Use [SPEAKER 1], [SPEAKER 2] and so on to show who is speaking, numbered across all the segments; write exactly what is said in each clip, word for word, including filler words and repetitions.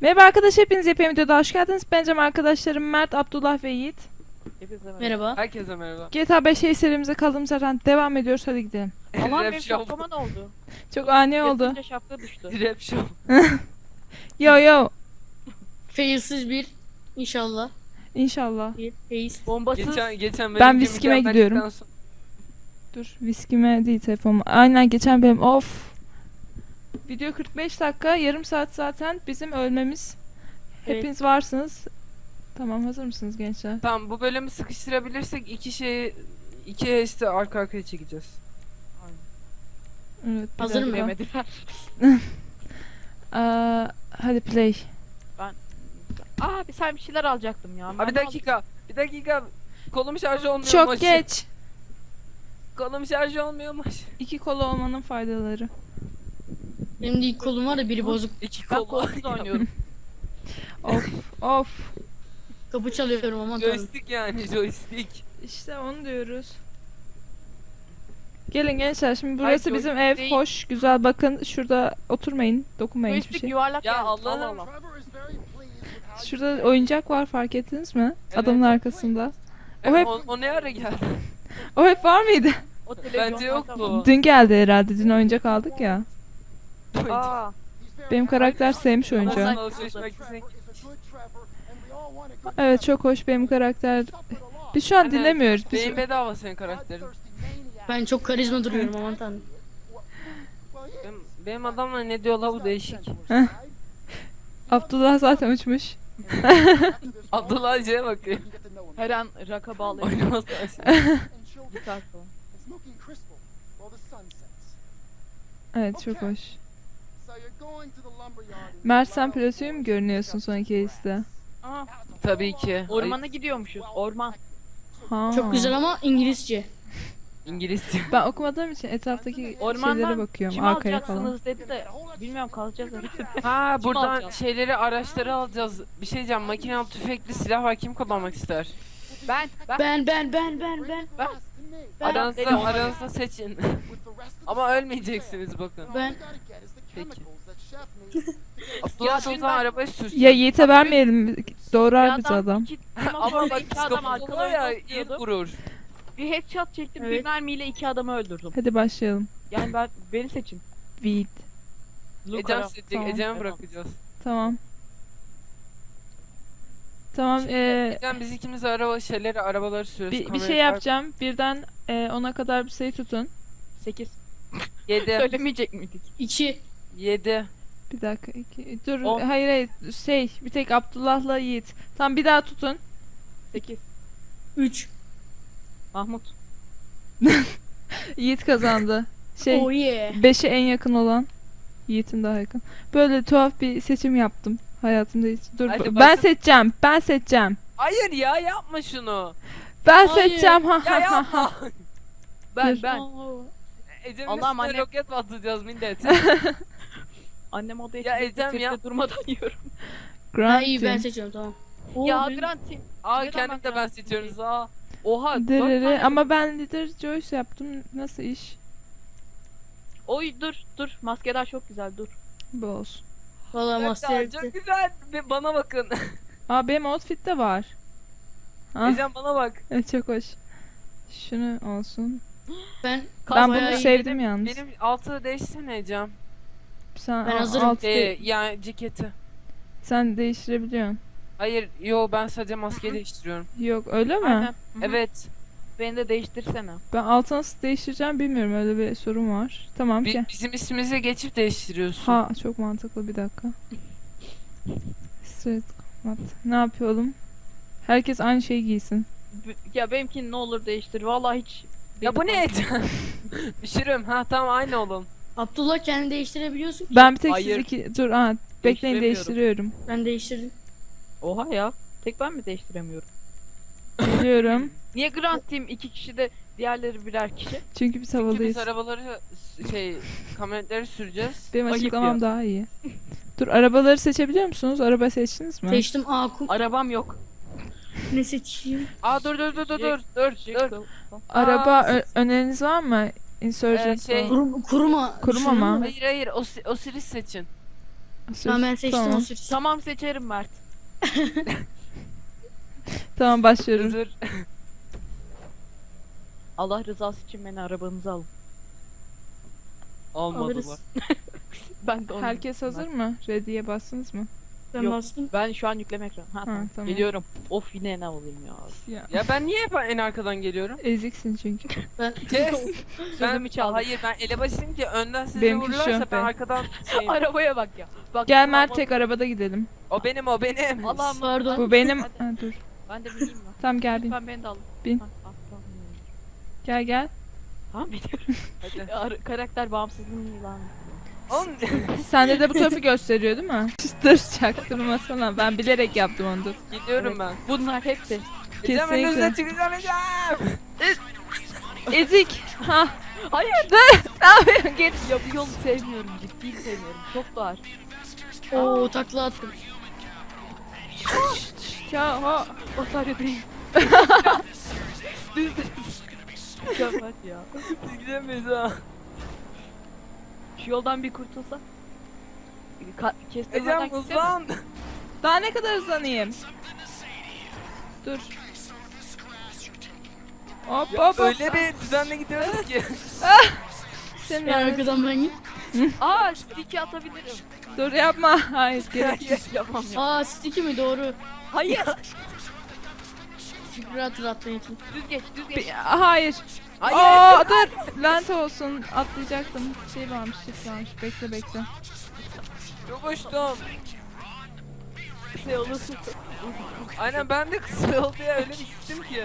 [SPEAKER 1] Merhaba arkadaşlar, hepiniz yepyeni videoda hoş geldiniz. Ben Cem, arkadaşlarım Mert, Abdullah ve Yiğit.
[SPEAKER 2] Hepinize merhaba.
[SPEAKER 3] Merhaba.
[SPEAKER 2] Herkese merhaba.
[SPEAKER 1] G T A beş serimize kaldığımız yerden devam ediyoruz. Hadi gidelim.
[SPEAKER 2] Aman
[SPEAKER 4] Rap
[SPEAKER 2] benim
[SPEAKER 4] show.
[SPEAKER 2] şapkama ne oldu?
[SPEAKER 1] Çok ani oldu.
[SPEAKER 2] Yatınca şapka düştü.
[SPEAKER 4] Rap show.
[SPEAKER 1] Yo yo.
[SPEAKER 3] Failsiz bir inşallah.
[SPEAKER 1] İnşallah.
[SPEAKER 3] Bir fail.
[SPEAKER 2] Bombasız.
[SPEAKER 4] Geçen geçen
[SPEAKER 1] Ben
[SPEAKER 4] benim
[SPEAKER 1] viskime
[SPEAKER 4] mükemmellikten
[SPEAKER 1] gidiyorum.
[SPEAKER 4] sonra-
[SPEAKER 1] Dur, viskime değil telefonuma. Aynen, geçen benim of. Video kırk beş dakika, yarım saat zaten bizim ölmemiz.
[SPEAKER 3] Evet.
[SPEAKER 1] Hepiniz varsınız. Tamam, hazır mısınız gençler?
[SPEAKER 4] Tamam, bu bölümü sıkıştırabilirsek iki şeyi iki işte arka arkaya çekeceğiz.
[SPEAKER 1] Evet, bir
[SPEAKER 3] Hazır mı?
[SPEAKER 1] dakika.
[SPEAKER 2] Demediler.
[SPEAKER 1] Aa, hadi play.
[SPEAKER 2] Aa bir sen bir şeyler alacaktım ya.
[SPEAKER 4] Abi
[SPEAKER 2] Ben
[SPEAKER 4] bir dakika. Bir dakika. Kolum şarjı olmuyormuş.
[SPEAKER 1] Çok geç.
[SPEAKER 4] Kolum şarjı olmuyormuş.
[SPEAKER 1] İki kolu olmanın faydaları.
[SPEAKER 3] Benim de ilk kolum var da biri bozuk.
[SPEAKER 4] İki
[SPEAKER 2] Ben
[SPEAKER 4] kol.
[SPEAKER 2] kolsuz oynuyorum.
[SPEAKER 1] Of of.
[SPEAKER 3] Kapı çalıyorum aman tanrım.
[SPEAKER 4] Joystick yani joystick.
[SPEAKER 1] İşte onu diyoruz. Gelin gençler, şimdi burası
[SPEAKER 2] Ay,
[SPEAKER 1] bizim
[SPEAKER 2] joystick
[SPEAKER 1] ev.
[SPEAKER 2] değil.
[SPEAKER 1] Hoş, güzel, bakın şurada oturmayın, dokunmayın hiçbir
[SPEAKER 2] Joystick
[SPEAKER 1] şey.
[SPEAKER 2] yuvarlak
[SPEAKER 4] Ya
[SPEAKER 2] yani.
[SPEAKER 4] Allah'ım.
[SPEAKER 2] Allah Allah.
[SPEAKER 1] Şurada oyuncak var, fark ettiniz mi?
[SPEAKER 4] Evet.
[SPEAKER 1] Adamın arkasında. O
[SPEAKER 4] O,
[SPEAKER 1] hep
[SPEAKER 4] o, o ne ara geldi?
[SPEAKER 1] o hep var mıydı?
[SPEAKER 2] O televizyon
[SPEAKER 4] Bence yok
[SPEAKER 2] zaten-
[SPEAKER 4] bu.
[SPEAKER 1] Dün geldi herhalde. Dün oyuncak aldık ya.
[SPEAKER 2] Aa.
[SPEAKER 1] Benim karakter sevmiş
[SPEAKER 4] Ondan
[SPEAKER 1] oyuncağı.
[SPEAKER 4] alışveriş merkezine-
[SPEAKER 1] Evet, çok hoş benim karakter. Biz şu an
[SPEAKER 4] Aynen.
[SPEAKER 1] dinlemiyoruz. Biz...
[SPEAKER 4] Beyin bedava senin karakterin.
[SPEAKER 3] Ben çok karizma duruyorum aman tanrım.
[SPEAKER 4] Benim, benim adamla ne diyorlar bu değişik.
[SPEAKER 1] Abdullah zaten uçmuş.
[SPEAKER 4] Abdullah Hacı'ya bakıyor.
[SPEAKER 2] Her an raka bağlayıp
[SPEAKER 4] Oynaması
[SPEAKER 2] gitar falan.
[SPEAKER 1] Evet, çok hoş. Mert, sen pilotuyu mu görünüyorsun son iki liste?
[SPEAKER 2] Aa,
[SPEAKER 4] Tabii ki.
[SPEAKER 2] ormana gidiyormuşuz. Orman.
[SPEAKER 1] Ha.
[SPEAKER 3] Çok güzel ama İngilizce.
[SPEAKER 4] İngilizce.
[SPEAKER 1] Ben okumadığım için etraftaki şeylere
[SPEAKER 2] Ormandan
[SPEAKER 1] bakıyorum,
[SPEAKER 2] kim
[SPEAKER 1] arkaya falan.
[SPEAKER 2] alacaksınız dedi de bilmiyorum kalacağız dedi.
[SPEAKER 4] Ha
[SPEAKER 2] Kim
[SPEAKER 4] buradan
[SPEAKER 2] alacağız?
[SPEAKER 4] şeyleri araçları alacağız. Bir şey diyeceğim, makinalı tüfekli silah var, kim kullanmak ister?
[SPEAKER 2] Ben ben
[SPEAKER 3] Ben ben ben ben ben.
[SPEAKER 2] ben Ben-
[SPEAKER 4] Aranızda
[SPEAKER 2] Benim-
[SPEAKER 4] aranızda seçin. Ama ölmeyeceksiniz bakın.
[SPEAKER 3] Ben
[SPEAKER 4] Peki. Abdullah o
[SPEAKER 2] şimdi
[SPEAKER 4] zaman
[SPEAKER 2] ben-
[SPEAKER 4] arabayı sürsün.
[SPEAKER 1] Ya Yiğit'e vermeyelim,
[SPEAKER 2] bir
[SPEAKER 1] doğrar bizi adam.
[SPEAKER 2] iki,
[SPEAKER 4] Ama
[SPEAKER 2] ama
[SPEAKER 4] bak
[SPEAKER 2] iki adam
[SPEAKER 4] psikopat
[SPEAKER 2] arkadan
[SPEAKER 4] oluyor ya,
[SPEAKER 2] ya,
[SPEAKER 4] ilk vurur.
[SPEAKER 2] Bir headshot çektim,
[SPEAKER 3] Evet.
[SPEAKER 2] bir mermiyle iki adamı öldürdüm.
[SPEAKER 1] Hadi başlayalım.
[SPEAKER 2] Yani ben beni seçin.
[SPEAKER 1] Yiğit.
[SPEAKER 4] Ecem
[SPEAKER 2] Luka.
[SPEAKER 4] seçecek,
[SPEAKER 1] Tamam.
[SPEAKER 4] Ecem'i bırakacağız.
[SPEAKER 1] Tamam. Tamam, eee
[SPEAKER 4] Ecem biz ikimiz araba şeyleri, arabaları sürüyoruz.
[SPEAKER 1] bir, bir
[SPEAKER 4] kamerayı
[SPEAKER 1] şey
[SPEAKER 4] tak-
[SPEAKER 1] yapacağım. Birden eee, ona kadar bir sayı tutun.
[SPEAKER 2] sekiz.
[SPEAKER 4] Yedi.
[SPEAKER 2] Söylemeyecek miydik?
[SPEAKER 3] iki.
[SPEAKER 4] Yedi.
[SPEAKER 1] Bir dakika, iki, dur,
[SPEAKER 2] On.
[SPEAKER 1] hayır hayır, şey, bir tek Abdullah'la Yiğit. Tamam, bir daha tutun.
[SPEAKER 2] sekiz.
[SPEAKER 3] Üç.
[SPEAKER 2] Mahmut.
[SPEAKER 1] Yiğit kazandı. Şey,
[SPEAKER 3] Oh yeah.
[SPEAKER 1] beşe en yakın olan Yiğit'in daha yakın. Böyle tuhaf bir seçim yaptım hayatımda hiç. Dur,
[SPEAKER 4] Hadi
[SPEAKER 1] ben
[SPEAKER 4] başla.
[SPEAKER 1] seçeceğim. Ben seçeceğim.
[SPEAKER 4] Hayır ya, yapma şunu.
[SPEAKER 1] Ben
[SPEAKER 3] Hayır.
[SPEAKER 1] seçeceğim. Ha
[SPEAKER 4] Ya
[SPEAKER 1] ha ha.
[SPEAKER 4] yapma.
[SPEAKER 2] Ben
[SPEAKER 1] Dur.
[SPEAKER 2] ben.
[SPEAKER 3] Oo.
[SPEAKER 4] Ecem'in
[SPEAKER 2] Allah'ım
[SPEAKER 4] üstüne
[SPEAKER 2] anne.
[SPEAKER 4] roket mi atacağız millet?
[SPEAKER 2] Annem odaya
[SPEAKER 4] Ya
[SPEAKER 2] çıktı,
[SPEAKER 4] Ecem
[SPEAKER 2] sesle
[SPEAKER 4] ya.
[SPEAKER 2] durmadan yiyorum.
[SPEAKER 3] Ha iyi ben
[SPEAKER 1] Grant.
[SPEAKER 3] seçiyorum tamam. Oo,
[SPEAKER 2] ya
[SPEAKER 3] benim-
[SPEAKER 2] Grant'im.
[SPEAKER 4] Aa
[SPEAKER 2] Neden
[SPEAKER 4] kendim
[SPEAKER 2] bak
[SPEAKER 4] de
[SPEAKER 2] ya?
[SPEAKER 4] ben seçiyoruz aa.
[SPEAKER 2] Oha. dört
[SPEAKER 1] Dırırı.
[SPEAKER 2] tane-
[SPEAKER 1] Ama ben Leader Joyce yaptım. Nasıl iş?
[SPEAKER 2] Oy dur dur. Maskeler çok güzel dur.
[SPEAKER 1] Bu olsun.
[SPEAKER 3] Valla
[SPEAKER 4] Evet,
[SPEAKER 3] master.
[SPEAKER 4] çok güzel. Bir bana bakın.
[SPEAKER 1] Aa, benim outfit'te var. Ha,
[SPEAKER 4] Ecem bana bak.
[SPEAKER 1] evet, çok hoş. Şunu olsun.
[SPEAKER 3] Ben
[SPEAKER 1] Ben
[SPEAKER 3] bayağı
[SPEAKER 1] bunu
[SPEAKER 3] iyi.
[SPEAKER 1] sevdim yalnız.
[SPEAKER 4] Benim altı değişsene Ecem.
[SPEAKER 1] Sen
[SPEAKER 3] Ben
[SPEAKER 1] al-
[SPEAKER 3] hazırım.
[SPEAKER 1] alt-
[SPEAKER 4] Ee, yani ceketi.
[SPEAKER 1] sen değiştirebiliyorsun.
[SPEAKER 4] Hayır yo, ben sadece maske değiştiriyorum.
[SPEAKER 1] Yok, öyle mi?
[SPEAKER 2] Aynen. Hı hı.
[SPEAKER 4] Evet.
[SPEAKER 2] Beni de değiştirsene.
[SPEAKER 1] Ben altı nasıl değiştireceğim bilmiyorum. Öyle bir sorun var. Tamam
[SPEAKER 4] Bi-
[SPEAKER 1] ki.
[SPEAKER 4] bizim ismimize geçip değiştiriyorsun.
[SPEAKER 1] Ha, çok mantıklı, bir dakika. Straight combat. Ne yapıyorum? Herkes aynı şeyi giysin.
[SPEAKER 2] B- Ya benimkini ne olur değiştir. Vallahi hiç.
[SPEAKER 4] Ya bu
[SPEAKER 2] beni
[SPEAKER 4] ne Ecem? Düşürüm. Ha tamam, aynı olun.
[SPEAKER 3] Abdullah kendi değiştirebiliyorsun ki.
[SPEAKER 1] Ben bir tek
[SPEAKER 2] Hayır.
[SPEAKER 1] siz iki... Dur, aha. Bekleyin,
[SPEAKER 2] Değiştiremiyorum.
[SPEAKER 1] değiştiriyorum.
[SPEAKER 3] Ben değiştirdim.
[SPEAKER 2] Oha ya. Tek ben mi değiştiremiyorum?
[SPEAKER 1] Geliyorum.
[SPEAKER 2] Niye Grant Team iki kişi de diğerleri birer kişi?
[SPEAKER 1] Çünkü biz
[SPEAKER 4] Çünkü
[SPEAKER 1] havalıyız.
[SPEAKER 4] biz arabaları şey kamyonetleri süreceğiz.
[SPEAKER 1] Benim
[SPEAKER 2] Ayıp
[SPEAKER 1] açıklamam
[SPEAKER 2] ya.
[SPEAKER 1] daha iyi. Dur, arabaları seçebiliyor musunuz? Araba seçtiniz mi?
[SPEAKER 3] Seçtim A kum.
[SPEAKER 2] Arabam yok.
[SPEAKER 3] Ne seçeyim?
[SPEAKER 4] Aa dur dur dur dur dur dur dur.
[SPEAKER 2] Jekyll.
[SPEAKER 1] Araba
[SPEAKER 4] Aa,
[SPEAKER 1] ö- öneriniz var mı? Insurgent
[SPEAKER 4] Ee, şey-
[SPEAKER 1] falan.
[SPEAKER 3] Kurum, kuruma.
[SPEAKER 1] Kuruma
[SPEAKER 3] Şunu
[SPEAKER 1] mı?
[SPEAKER 3] mu?
[SPEAKER 4] Hayır hayır, o, o Osiris seçin.
[SPEAKER 1] Sür.
[SPEAKER 3] Tamam ben seçtim
[SPEAKER 1] Tamam.
[SPEAKER 3] o sür.
[SPEAKER 2] Tamam seçerim Mert.
[SPEAKER 1] Tamam başlıyorum.
[SPEAKER 4] Hazır.
[SPEAKER 2] Allah rızası için beni arabanıza alın.
[SPEAKER 4] Almadılar.
[SPEAKER 3] Alırız.
[SPEAKER 2] Ben de onu
[SPEAKER 1] Herkes hazır mı? Ready'ye bastınız mı?
[SPEAKER 3] Ben
[SPEAKER 2] Yok.
[SPEAKER 3] bastım.
[SPEAKER 2] Ben şu an yükleme ekranı. Ha, tamam.
[SPEAKER 1] tamam.
[SPEAKER 2] Geliyorum. Of yine ne alayım ya.
[SPEAKER 1] Ya.
[SPEAKER 4] Ya ben niye hep en arkadan geliyorum?
[SPEAKER 1] Eziksin çünkü.
[SPEAKER 3] Ben
[SPEAKER 4] Kes. ben
[SPEAKER 2] Sözümü çaldım.
[SPEAKER 4] hayır ben elebaşıyım ki önden sizi
[SPEAKER 1] Benimki şu,
[SPEAKER 4] vururlarsa ben
[SPEAKER 1] ben.
[SPEAKER 4] arkadan şeyim.
[SPEAKER 2] Arabaya bak ya. Bak,
[SPEAKER 1] Gel Mert
[SPEAKER 2] aman-
[SPEAKER 1] tek arabada gidelim.
[SPEAKER 4] O benim o benim.
[SPEAKER 2] Allah'ım.
[SPEAKER 3] Pardon.
[SPEAKER 1] Bu benim.
[SPEAKER 2] Hadi.
[SPEAKER 1] Ha, dur.
[SPEAKER 2] Ben de bineyim mi?
[SPEAKER 1] Tamam gel bin.
[SPEAKER 2] Lütfen beni de alın.
[SPEAKER 1] Bin.
[SPEAKER 2] Ha, ah, tamam.
[SPEAKER 1] Gel gel.
[SPEAKER 2] Tamam biliyorum.
[SPEAKER 4] Hadi.
[SPEAKER 2] Ar- karakter bağımsızlığını ilan.
[SPEAKER 4] Oğlum
[SPEAKER 1] Sende de bu tarafı gösteriyor değil mi? Dur çaktırmasana. Ben bilerek yaptım onu dur.
[SPEAKER 4] gidiyorum
[SPEAKER 2] Evet.
[SPEAKER 4] ben.
[SPEAKER 2] Bunlar hepsi.
[SPEAKER 4] Gideceğim
[SPEAKER 1] Kesinlikle.
[SPEAKER 4] önünüze çıkacağım Ecem.
[SPEAKER 1] Ezik. Ha.
[SPEAKER 2] Hayır.
[SPEAKER 1] Ne yapıyorsun? Git.
[SPEAKER 2] Ya bu yolu sevmiyorum. Ciddi sevmiyorum. Çok dar.
[SPEAKER 3] Oo takla attım.
[SPEAKER 1] Ya ha.
[SPEAKER 2] Batarya değil. Düz düz. Mükemmel ya.
[SPEAKER 4] Biz gidemeyiz ha.
[SPEAKER 2] Şu yoldan bir kurtulsa. Ka- kestirmeden
[SPEAKER 4] Ecem
[SPEAKER 2] gitsene.
[SPEAKER 4] hızlan.
[SPEAKER 1] Daha ne kadar hızlanayım? Dur. Hop
[SPEAKER 4] Ya
[SPEAKER 1] hop hop.
[SPEAKER 4] öyle bir düzenle gidiyoruz ki.
[SPEAKER 1] Senin
[SPEAKER 3] En
[SPEAKER 1] lanet-
[SPEAKER 3] arkadan ben git.
[SPEAKER 2] Aa stick'i atabilirim.
[SPEAKER 1] Dur yapma. Hayır gerek.
[SPEAKER 2] Hayır yapamam ya.
[SPEAKER 3] Aa sticky mi doğru.
[SPEAKER 2] Hayır.
[SPEAKER 3] Şükrü hatırlattığın için.
[SPEAKER 2] Düz geç düz geç.
[SPEAKER 1] Bir- Hayır.
[SPEAKER 4] Hayır.
[SPEAKER 1] Aa dur. Lanet olsun. Atlayacaktım. Şey varmış, shift varmış. Bekle bekle.
[SPEAKER 4] Çok hoştum.
[SPEAKER 2] Şey olursun.
[SPEAKER 4] Aynen ben de kısa yol diye öyle bir gittim ki.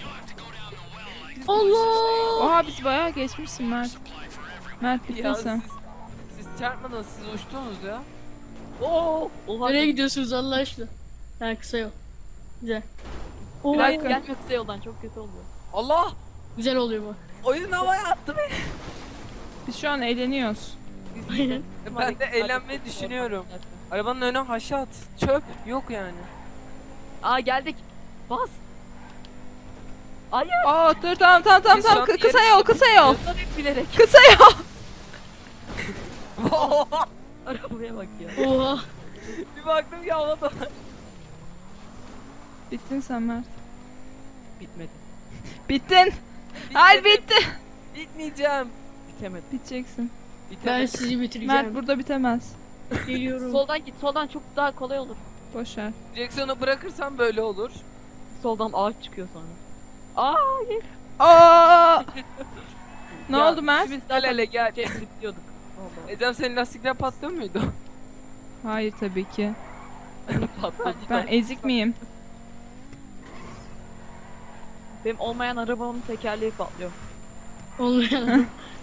[SPEAKER 3] Allah!
[SPEAKER 1] Oha biz bayağı geçmişsin Mert. Mert bittin
[SPEAKER 4] Ya
[SPEAKER 1] sen.
[SPEAKER 4] siz, siz çarpmadınız siz uçtunuz ya.
[SPEAKER 2] Oo. Oha.
[SPEAKER 3] Nereye gidiyorsunuz Allah aşkına? Ha kısa yol. Güzel. Oo,
[SPEAKER 2] Bir
[SPEAKER 1] dakika.
[SPEAKER 2] gelme kısa yoldan çok kötü oluyor.
[SPEAKER 4] Allah!
[SPEAKER 3] güzel oluyor bu.
[SPEAKER 4] Oyun havaya attı beni.
[SPEAKER 1] Biz şu an eğleniyoruz.
[SPEAKER 3] Aynen.
[SPEAKER 4] Ben de eğlenmeyi düşünüyorum. Arabanın önüne haşat. Çöp yok yani.
[SPEAKER 2] Aa geldik. Bas. Hayır.
[SPEAKER 1] Aa dur tamam tamam tamam
[SPEAKER 4] Biz
[SPEAKER 1] tamam
[SPEAKER 4] şu an
[SPEAKER 1] Kı- kısa
[SPEAKER 4] yarış
[SPEAKER 1] yol kısa yol.
[SPEAKER 2] Yoldan hep bilerek.
[SPEAKER 1] Kısa yol.
[SPEAKER 2] Arabaya bak ya.
[SPEAKER 3] Oha.
[SPEAKER 4] Bir baktım ki havada.
[SPEAKER 1] Bittin sen Mert.
[SPEAKER 2] Bitmedi.
[SPEAKER 1] Bittin. Hayır bitti.
[SPEAKER 4] Bitmeyeceğim.
[SPEAKER 2] Bitemedi.
[SPEAKER 1] Biteceksin.
[SPEAKER 3] Ben
[SPEAKER 4] Bitemedi.
[SPEAKER 3] sizi bitireceğim.
[SPEAKER 1] Mert burada bitemez.
[SPEAKER 3] Geliyorum.
[SPEAKER 2] Soldan git. Soldan çok daha kolay olur.
[SPEAKER 1] Boş ver.
[SPEAKER 4] Direksiyonu bırakırsam böyle olur.
[SPEAKER 2] Soldan ağaç çıkıyor sonra. Aa hayır.
[SPEAKER 1] Aa! Ne
[SPEAKER 2] Ya,
[SPEAKER 1] oldu Mert?
[SPEAKER 2] Biz
[SPEAKER 4] Gel
[SPEAKER 2] zaten
[SPEAKER 4] hele gel.
[SPEAKER 2] şey zıplıyorduk. Allah.
[SPEAKER 4] Ecem senin lastikler patlıyor muydu?
[SPEAKER 1] Hayır tabii ki.
[SPEAKER 2] Patladı.
[SPEAKER 1] Ben ezik miyim?
[SPEAKER 2] Benim olmayan arabamın tekerleği patlıyor.
[SPEAKER 3] Olmayan.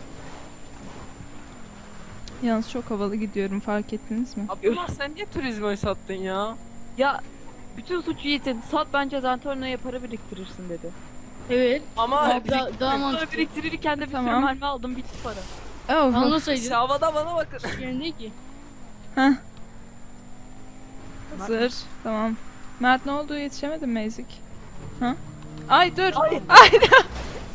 [SPEAKER 1] Yalnız çok havalı gidiyorum fark ettiniz mi?
[SPEAKER 4] Abdullah sen niye turizmi sattın ya?
[SPEAKER 2] Ya bütün suçu Yiğit'in. Sat bence Zentorno'ya para biriktirirsin dedi.
[SPEAKER 3] Evet.
[SPEAKER 4] Ama
[SPEAKER 3] Daha, daha, daha
[SPEAKER 2] Para
[SPEAKER 3] mantıklı.
[SPEAKER 2] biriktirirken de bir
[SPEAKER 1] Tamam.
[SPEAKER 2] sürü mermi aldım bitti para.
[SPEAKER 1] Oh.
[SPEAKER 3] Anlasaydın.
[SPEAKER 4] havada bana bakın.
[SPEAKER 3] Yani değil ki.
[SPEAKER 1] Heh. Hazır. Tamam. Mert ne oldu yetişemedin mi ezik? Ha? Ay dur.
[SPEAKER 2] Hayır.
[SPEAKER 1] Ay dur.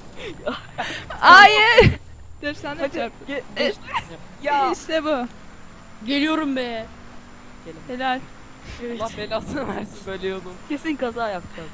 [SPEAKER 1] Hayır. Dur sen de çarp.
[SPEAKER 2] Ge-
[SPEAKER 1] E-
[SPEAKER 4] Ya
[SPEAKER 1] İşte bu.
[SPEAKER 3] Geliyorum be.
[SPEAKER 1] Helal.
[SPEAKER 3] Evet.
[SPEAKER 4] Allah belasını versin böyle yolun.
[SPEAKER 2] Kesin kaza yapacağız.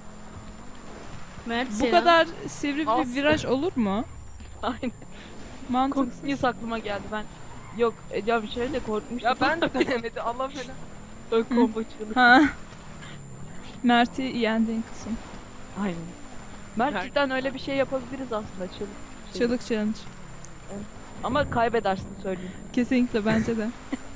[SPEAKER 3] Mert
[SPEAKER 1] Bu
[SPEAKER 3] selam.
[SPEAKER 1] kadar sivri bir
[SPEAKER 2] As-
[SPEAKER 1] viraj olur mu?
[SPEAKER 2] Aynen.
[SPEAKER 1] Mantıksız.
[SPEAKER 2] Korkmuş aklıma geldi ben. Yok Ecem şöyle korkmuştum.
[SPEAKER 4] Ya ben de dönemedi Allah falan.
[SPEAKER 2] Ön combo çığlık.
[SPEAKER 1] Ha. Mert'i yendiğin kısım.
[SPEAKER 2] Aynen. Mert
[SPEAKER 4] Mert-
[SPEAKER 2] cidden öyle bir şey yapabiliriz aslında çığlık. Şey.
[SPEAKER 1] Çığlık challenge.
[SPEAKER 2] Ama kaybedersin söyleyeyim.
[SPEAKER 1] Kesinlikle bence de.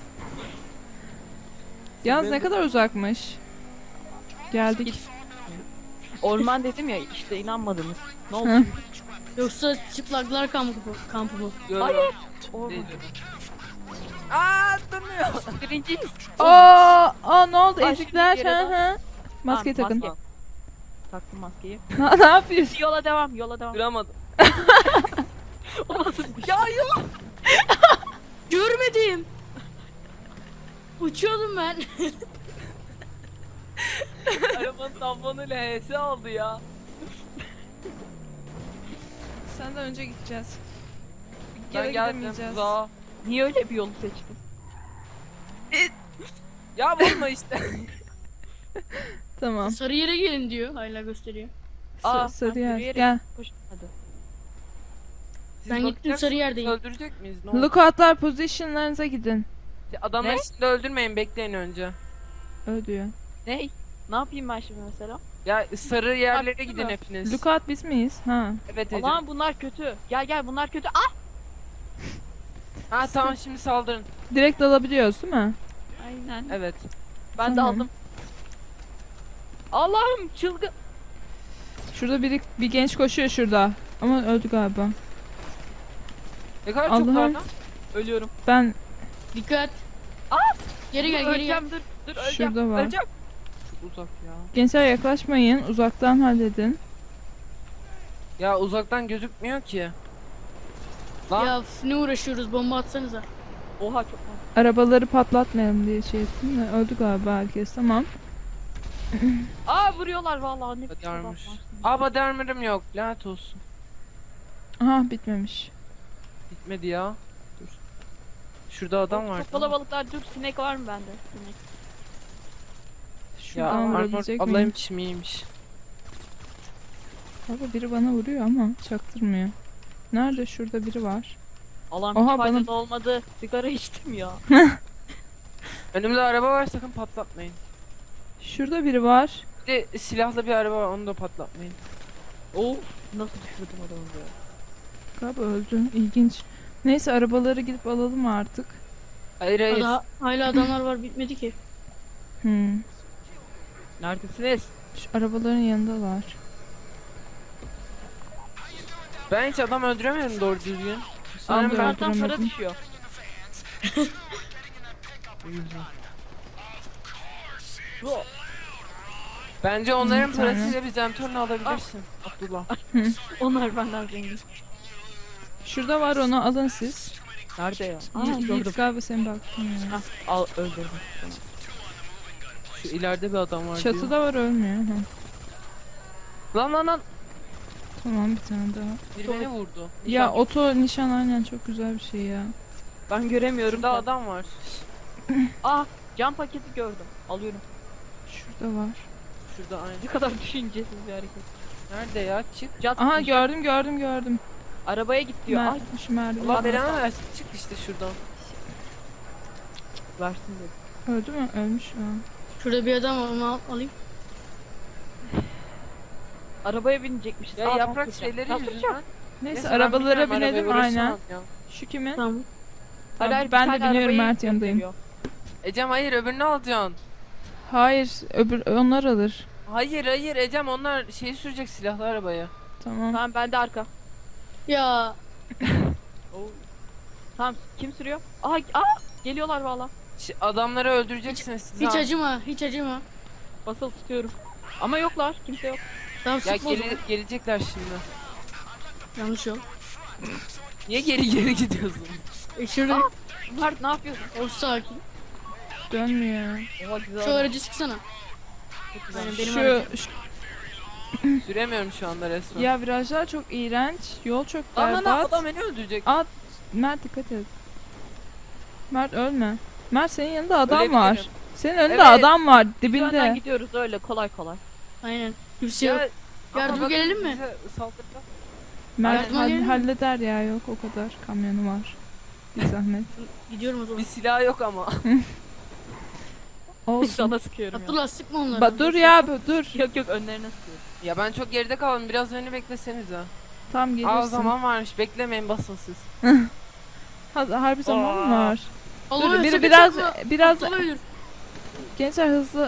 [SPEAKER 1] Yalnız ne kadar uzakmış. Geldik.
[SPEAKER 2] Orman dedim ya işte inanmadınız. Ne oldu?
[SPEAKER 1] Hı.
[SPEAKER 2] şimdi?
[SPEAKER 3] Yoksa çıplaklar kampı, kampı bu.
[SPEAKER 4] Diyorum.
[SPEAKER 2] Hayır. Orman.
[SPEAKER 4] Değil diyorum. Aa durmuyor.
[SPEAKER 2] Birinciyiz.
[SPEAKER 1] Aa, aa ne oldu
[SPEAKER 2] Ay,
[SPEAKER 1] ezikler?
[SPEAKER 2] şimdi bir yere
[SPEAKER 1] Hı
[SPEAKER 2] daha-
[SPEAKER 1] hı. Maskeyi
[SPEAKER 2] Tamam,
[SPEAKER 1] takın.
[SPEAKER 2] maske. Taktım maskeyi.
[SPEAKER 1] Ne, ne yapıyorsun?
[SPEAKER 2] Yola devam, yola devam.
[SPEAKER 4] Duramadım.
[SPEAKER 2] O nasıl bir şey?
[SPEAKER 4] Ya yok.
[SPEAKER 3] Görmedim. Uçuyordum ben.
[SPEAKER 4] Arabanın tamponuyla H S oldu ya.
[SPEAKER 1] Senden önce gideceğiz.
[SPEAKER 4] Ben
[SPEAKER 1] Geri
[SPEAKER 4] geldim
[SPEAKER 1] gidemeyeceğiz.
[SPEAKER 4] uzağa.
[SPEAKER 2] Niye öyle bir yolu seçtin?
[SPEAKER 4] Ya vurma işte.
[SPEAKER 1] Tamam.
[SPEAKER 3] Sarı yere gelin diyor. Hala gösteriyor.
[SPEAKER 1] Sa-
[SPEAKER 2] Aa,
[SPEAKER 1] sarı
[SPEAKER 2] ben
[SPEAKER 1] yer.
[SPEAKER 2] yürüyerek-
[SPEAKER 1] Gel.
[SPEAKER 2] Koş hadi.
[SPEAKER 4] Siz
[SPEAKER 3] Ben gittim,
[SPEAKER 4] bakacaksınız,
[SPEAKER 3] sarı yerdeyim.
[SPEAKER 4] Öldürecek miyiz? Ne oldu?
[SPEAKER 1] Lookoutlar positionlarınıza gidin.
[SPEAKER 4] Adamları
[SPEAKER 2] Ne?
[SPEAKER 4] şimdi öldürmeyin, bekleyin önce.
[SPEAKER 1] Öyle diyor.
[SPEAKER 2] Ne? Ne yapayım ben şimdi mesela?
[SPEAKER 4] Ya sarı yerlere
[SPEAKER 2] Baktın
[SPEAKER 4] gidin
[SPEAKER 2] mı?
[SPEAKER 4] hepiniz.
[SPEAKER 1] Lookout biz miyiz? Ha.
[SPEAKER 4] Evet Ecem.
[SPEAKER 2] Allah'ım bunlar kötü. Gel gel bunlar kötü. Ah!
[SPEAKER 4] Ha tamam, şimdi saldırın.
[SPEAKER 1] Direkt alabiliyoruz değil mi?
[SPEAKER 2] Aynen.
[SPEAKER 4] Evet.
[SPEAKER 2] Ben de
[SPEAKER 1] Tamam.
[SPEAKER 2] aldım. Allah'ım çılgın.
[SPEAKER 1] Şurada biri, bir genç koşuyor şurada. Ama öldü galiba.
[SPEAKER 4] Ne kadar çok
[SPEAKER 1] Allah'ım.
[SPEAKER 4] var lan.
[SPEAKER 2] Ölüyorum.
[SPEAKER 1] Ben
[SPEAKER 3] Dikkat.
[SPEAKER 2] Aa!
[SPEAKER 3] Geri gel,
[SPEAKER 2] Dur,
[SPEAKER 3] geri gel.
[SPEAKER 2] öleceğim, dur dur öleceğim.
[SPEAKER 1] Şurada var.
[SPEAKER 2] Öleceğim.
[SPEAKER 4] Çok uzak ya.
[SPEAKER 1] gençler yaklaşmayın. Uzaktan halledin.
[SPEAKER 4] Ya uzaktan gözükmüyor ki. Lan
[SPEAKER 3] Ya f- ne uğraşıyoruz, bomba atsanıza.
[SPEAKER 2] Oha çok mantıklı.
[SPEAKER 1] Arabaları patlatmayalım diye şey ettim de öldü galiba herkes. Tamam.
[SPEAKER 2] Aa vuruyorlar vallahi ne biçim
[SPEAKER 4] Badarmış.
[SPEAKER 2] adamlarsın.
[SPEAKER 4] Aba dermirim yok. Lanet olsun.
[SPEAKER 1] Aha bitmemiş.
[SPEAKER 4] Bitmedi ya. Dur. Şurada adam var.
[SPEAKER 2] Çok kalabalıklar, dur sinek var mı bende? Sinek.
[SPEAKER 4] Ya
[SPEAKER 1] Şuradan
[SPEAKER 4] armor
[SPEAKER 1] vurabilecek
[SPEAKER 4] ablayım
[SPEAKER 1] miyim?
[SPEAKER 4] çimiymiş.
[SPEAKER 1] Baba biri bana vuruyor ama çaktırmıyor. Nerede? Şurada biri var.
[SPEAKER 2] Allah'ım
[SPEAKER 1] Oha,
[SPEAKER 2] hiç faydalı
[SPEAKER 1] bana-
[SPEAKER 2] olmadı. Sigara içtim ya.
[SPEAKER 4] Önümde araba var, sakın patlatmayın.
[SPEAKER 1] Şurada biri var.
[SPEAKER 4] Bir de silahlı bir araba var, onu da patlatmayın.
[SPEAKER 2] Of nasıl düşürdüm adamı böyle.
[SPEAKER 1] Galiba öldü. İlginç. Neyse arabaları gidip alalım artık.
[SPEAKER 4] Hayır hayır.
[SPEAKER 3] Daha, hala adamlar var, bitmedi ki.
[SPEAKER 1] Hmm.
[SPEAKER 2] Neredesiniz?
[SPEAKER 1] Şu arabaların yanındalar.
[SPEAKER 4] Ben hiç adam öldüremiyorum doğru düzgün.
[SPEAKER 1] Ben
[SPEAKER 4] Sanırım
[SPEAKER 1] de
[SPEAKER 4] ben
[SPEAKER 2] Arkamdan para
[SPEAKER 1] öldüremedim.
[SPEAKER 2] düşüyor.
[SPEAKER 4] Bence onların
[SPEAKER 1] Bir tane.
[SPEAKER 4] parasıyla bir zentorunu alabilirsin. Abdullah.
[SPEAKER 2] Onlar benden zengin.
[SPEAKER 1] Şurada var, onu alın siz.
[SPEAKER 2] Nerede ya? Aa,
[SPEAKER 1] Yiğit
[SPEAKER 2] gördüm.
[SPEAKER 1] galiba senin baktın ya.
[SPEAKER 2] Hah, al öldürdüm.
[SPEAKER 4] Şu ileride bir adam var diyor.
[SPEAKER 1] Çatıda var, ölmüyor. Ha.
[SPEAKER 4] Lan lan lan.
[SPEAKER 1] Tamam, bir tane daha.
[SPEAKER 4] Biri beni vurdu.
[SPEAKER 1] Ya
[SPEAKER 2] Nişan.
[SPEAKER 1] oto nişan aynen çok güzel bir şey ya.
[SPEAKER 2] Ben göremiyorum.
[SPEAKER 4] Şurada
[SPEAKER 2] da.
[SPEAKER 4] adam var.
[SPEAKER 2] Aa cam paketi gördüm. Alıyorum.
[SPEAKER 1] Şurada var.
[SPEAKER 4] Şurada aynı.
[SPEAKER 2] Ne kadar düşüncesiz bir hareket.
[SPEAKER 4] Nerede ya? Çık.
[SPEAKER 2] Cat
[SPEAKER 1] Aha
[SPEAKER 2] nişan.
[SPEAKER 1] gördüm gördüm gördüm.
[SPEAKER 2] Arabaya git diyor.
[SPEAKER 1] Mer
[SPEAKER 2] Ay
[SPEAKER 1] şu merdiven.
[SPEAKER 4] Allah belanı versin. Çık işte şuradan.
[SPEAKER 2] versin dedi.
[SPEAKER 1] Öldü mü? Ölmüş şu an.
[SPEAKER 3] Şurada bir adam var, onu al, alayım.
[SPEAKER 2] Arabaya binecekmişiz.
[SPEAKER 4] Ya
[SPEAKER 2] Aa,
[SPEAKER 4] yaprak
[SPEAKER 2] ben
[SPEAKER 4] şeyleri
[SPEAKER 2] Ben
[SPEAKER 4] yüzünden.
[SPEAKER 2] süreceğim.
[SPEAKER 1] Neyse,
[SPEAKER 4] Neyse, ben
[SPEAKER 1] arabalara
[SPEAKER 4] bilmiyorum, arabayı
[SPEAKER 1] binelim
[SPEAKER 4] uğraşamam
[SPEAKER 1] aynen.
[SPEAKER 4] ya.
[SPEAKER 1] Şu kimin?
[SPEAKER 3] Tamam.
[SPEAKER 1] Tamam,
[SPEAKER 2] Hayır,
[SPEAKER 1] ben
[SPEAKER 2] bir
[SPEAKER 1] de
[SPEAKER 2] tane
[SPEAKER 1] biniyorum,
[SPEAKER 2] arabayı
[SPEAKER 1] Mert yanındayım.
[SPEAKER 2] gösteriyor.
[SPEAKER 4] Ecem hayır, öbürünü alacaksın.
[SPEAKER 1] Hayır, öbür onlar alır.
[SPEAKER 4] Hayır hayır Ecem, onlar şeyi sürecek, silahlı arabaya.
[SPEAKER 1] Tamam.
[SPEAKER 2] Tamam ben de arka.
[SPEAKER 3] Ya
[SPEAKER 2] Tamam kim sürüyor? Aha aa geliyorlar valla.
[SPEAKER 4] Ş- Adamları öldüreceksiniz siz.
[SPEAKER 3] hiç
[SPEAKER 4] ha.
[SPEAKER 3] acıma, hiç acıma.
[SPEAKER 2] Basılı tutuyorum. Ama yoklar. Kimse yok.
[SPEAKER 3] Tamam,
[SPEAKER 4] Ya
[SPEAKER 3] sıkma o zaman.
[SPEAKER 4] gele- gelecekler şimdi.
[SPEAKER 3] Yanlış yol.
[SPEAKER 4] Niye geri geri gidiyorsun?
[SPEAKER 3] E şurada
[SPEAKER 2] Aa! Mert ne yapıyorsun?
[SPEAKER 3] o sakin.
[SPEAKER 1] Dönmüyor.
[SPEAKER 2] Oha güzel.
[SPEAKER 3] Şu aracı sıksana.
[SPEAKER 2] Çok güzel.
[SPEAKER 3] Aynen, benim
[SPEAKER 1] Şu,
[SPEAKER 3] aracım.
[SPEAKER 1] şu-
[SPEAKER 4] Süremiyorum şu anda resmen.
[SPEAKER 1] ya virajlar çok iğrenç. Yol çok
[SPEAKER 4] Lan lan lan,
[SPEAKER 1] berbat.
[SPEAKER 4] adam beni öldürecek.
[SPEAKER 1] At. Mert dikkat et. Mert ölme. Mert senin yanında adam
[SPEAKER 4] Ölebilirim.
[SPEAKER 1] var. Senin önünde
[SPEAKER 4] Evet.
[SPEAKER 1] adam var
[SPEAKER 2] Biz önden
[SPEAKER 1] dibinde.
[SPEAKER 2] gidiyoruz öyle kolay kolay.
[SPEAKER 3] Aynen. Kimse yok.
[SPEAKER 4] Ya, ama
[SPEAKER 3] Yardıma
[SPEAKER 4] bakın
[SPEAKER 3] gelelim mi?
[SPEAKER 4] bize saldırdı.
[SPEAKER 1] Mert
[SPEAKER 3] Yardıma
[SPEAKER 1] hall-
[SPEAKER 3] gelelim mi?
[SPEAKER 1] halleder ya, yok o kadar. Kamyonu var. Bir zahmet.
[SPEAKER 3] Gidiyorum o zaman.
[SPEAKER 4] Bir silah yok ama.
[SPEAKER 1] Olsun.
[SPEAKER 2] Sana sıkıyorum ya.
[SPEAKER 3] Abdullah sıkma onları.
[SPEAKER 1] Ba dur ya bu- dur.
[SPEAKER 2] Yok yok önlerine sıkıyorum.
[SPEAKER 4] Ya ben çok geride kaldım, biraz beni beklesenize.
[SPEAKER 1] Tam
[SPEAKER 4] Aa
[SPEAKER 1] gelirsin.
[SPEAKER 4] zaman varmış, beklemeyin, basın siz.
[SPEAKER 1] Ha, harbi zaman mı
[SPEAKER 4] Aa.
[SPEAKER 1] var?
[SPEAKER 3] Allah
[SPEAKER 1] Dur,
[SPEAKER 3] ölse
[SPEAKER 1] biri
[SPEAKER 3] bir
[SPEAKER 1] biraz
[SPEAKER 3] sıkma.
[SPEAKER 1] biraz
[SPEAKER 3] Abdullah ölür.
[SPEAKER 1] gençler hızlı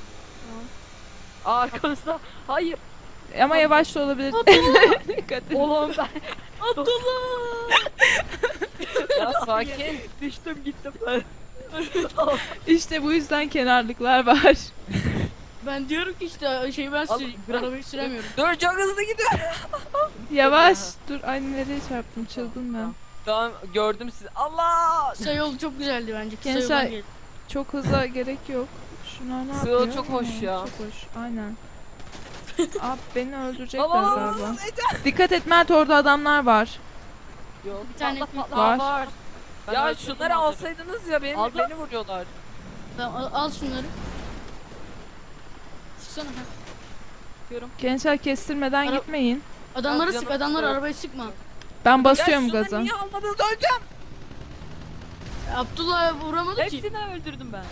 [SPEAKER 2] Aa arkamızda. Hayır.
[SPEAKER 1] ama yavaş da olabilir. Dikkat et.
[SPEAKER 2] Oğlum ben.
[SPEAKER 3] Abdullah.
[SPEAKER 4] Ya sakin.
[SPEAKER 2] Düştüm gittim ben.
[SPEAKER 1] İşte bu yüzden kenarlıklar var.
[SPEAKER 3] Ben diyorum ki işte şey ben
[SPEAKER 2] Al,
[SPEAKER 3] süreyim.
[SPEAKER 2] bırak.
[SPEAKER 3] Arabayı süremiyorum.
[SPEAKER 4] Dur, çok hızlı gidiyor.
[SPEAKER 1] Yavaş. Dur, ay nereye çarptım, çıldım ben.
[SPEAKER 4] Tamam, gördüm sizi. Allah!
[SPEAKER 3] Kısa yol çok güzeldi bence. Kısa
[SPEAKER 1] Gençler-
[SPEAKER 3] yoldan gel.
[SPEAKER 1] Çok hıza gerek yok. Şunlar ne
[SPEAKER 4] Sığ
[SPEAKER 1] yapıyor?
[SPEAKER 4] çok hoş
[SPEAKER 1] Ha,
[SPEAKER 4] ya.
[SPEAKER 1] Çok hoş. Aynen. Abi beni öldürecekler
[SPEAKER 4] Allah!
[SPEAKER 1] galiba. Dikkat et Mert, orada adamlar var.
[SPEAKER 4] Yok.
[SPEAKER 3] Bir tane
[SPEAKER 2] Patla, patla.
[SPEAKER 1] Var.
[SPEAKER 2] Var. Ben
[SPEAKER 4] Ya
[SPEAKER 2] öldürdüm
[SPEAKER 4] şunları
[SPEAKER 2] onları.
[SPEAKER 4] alsaydınız ya, beni,
[SPEAKER 2] Aldım.
[SPEAKER 4] beni vuruyorlar.
[SPEAKER 3] Tamam al, al şunları. Sıksana. Ha.
[SPEAKER 2] Diyorum.
[SPEAKER 1] Gençler kestirmeden
[SPEAKER 3] Ara-
[SPEAKER 1] gitmeyin.
[SPEAKER 3] Adamları
[SPEAKER 4] Al
[SPEAKER 3] sık,
[SPEAKER 4] canım,
[SPEAKER 3] adamları
[SPEAKER 4] sık.
[SPEAKER 3] arabayı sıkma.
[SPEAKER 1] Ben basıyorum
[SPEAKER 4] Ya şunu
[SPEAKER 1] gaza.
[SPEAKER 4] niye almadınız, öleceğim.
[SPEAKER 3] Abdullah vuramadı ki.
[SPEAKER 2] Hepsini öldürdüm ben.